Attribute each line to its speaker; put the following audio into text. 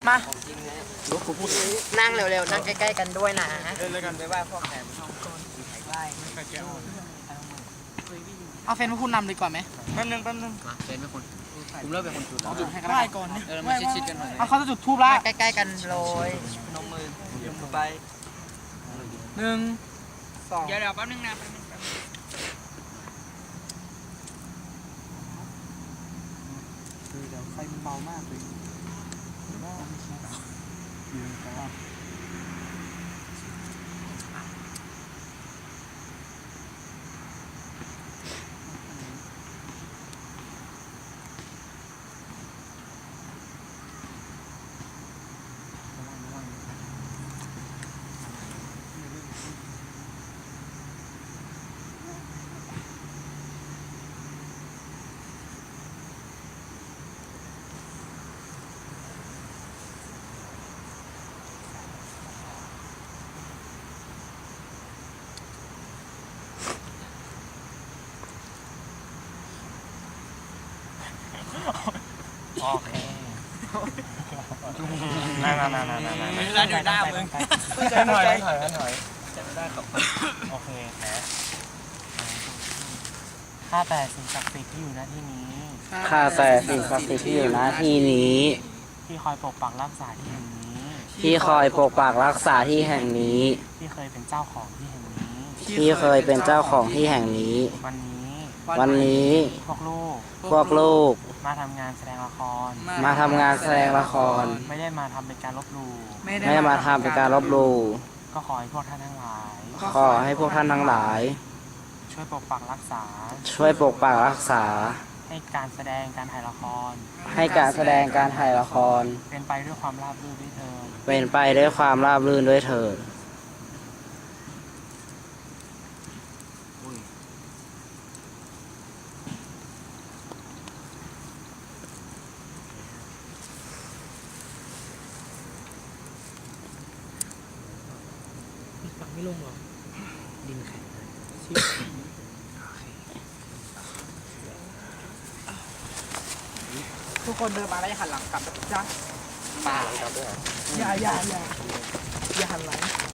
Speaker 1: มา
Speaker 2: นั่งเร็วๆนั่งใกล้ๆกันด้วยนะ
Speaker 1: เล่นแล้วกันไปว่าพ่อแขกช่องก้นไล่ไม่เคยแก้เอาเฟนมาพูดนำดีกว่าไหมแป๊บนึง
Speaker 2: เฟนเป็นคนผมเริ่มเป็นคนจุด
Speaker 1: จุดให้กันได้ก่อนเนี่ย
Speaker 2: มาชิดๆกันหน่อย
Speaker 1: เขาจะจุดทูบละ
Speaker 2: ใกล้ๆกันโรย
Speaker 1: นมมือยมมือไป1 2เดี๋ยวแป๊บนึงนะเดี๋ยวไฟมันเบามากเลย
Speaker 3: โอเคน่า
Speaker 1: แล้วเดี๋ยวหน้ามึง
Speaker 3: ถอยจะได้กับโอเคแหมข้าแต่สิ่งศักดิ์สิทธิ์ที่อยู่ณที่นี้
Speaker 2: ข้าแต่สิ่งศักดิ์สิทธิ์ที่อยู่ณที่นี้
Speaker 3: ที่คอยปกปักรักษาที่แห่งนี้
Speaker 2: ที่คอยปกปักรักษาที่แห่งนี้
Speaker 3: ที่เคยเป็นเจ้าของที่แห่งนี้
Speaker 2: ที่เคยเป็นเจ้าของที่แห่งนี้
Speaker 3: วันนี้พวกลูกมาทำงานแสดงละคร
Speaker 2: ไม่ได้
Speaker 3: มาทำเป็นการลบหลู่ก็ขอให้พวกท่านทั้งหลายช่วยปกปักรักษาให้การแสดงการถ่ายละครเป็นไปด้วยความราบรื่นด้วยเถิด
Speaker 1: ไม่ลงหรอดินแข็งทุกคนเดินมาแล้วอย่าหันหลังกลับจ้ะ
Speaker 2: ปาหลังกลับด้วย
Speaker 1: อย่าหันหลัง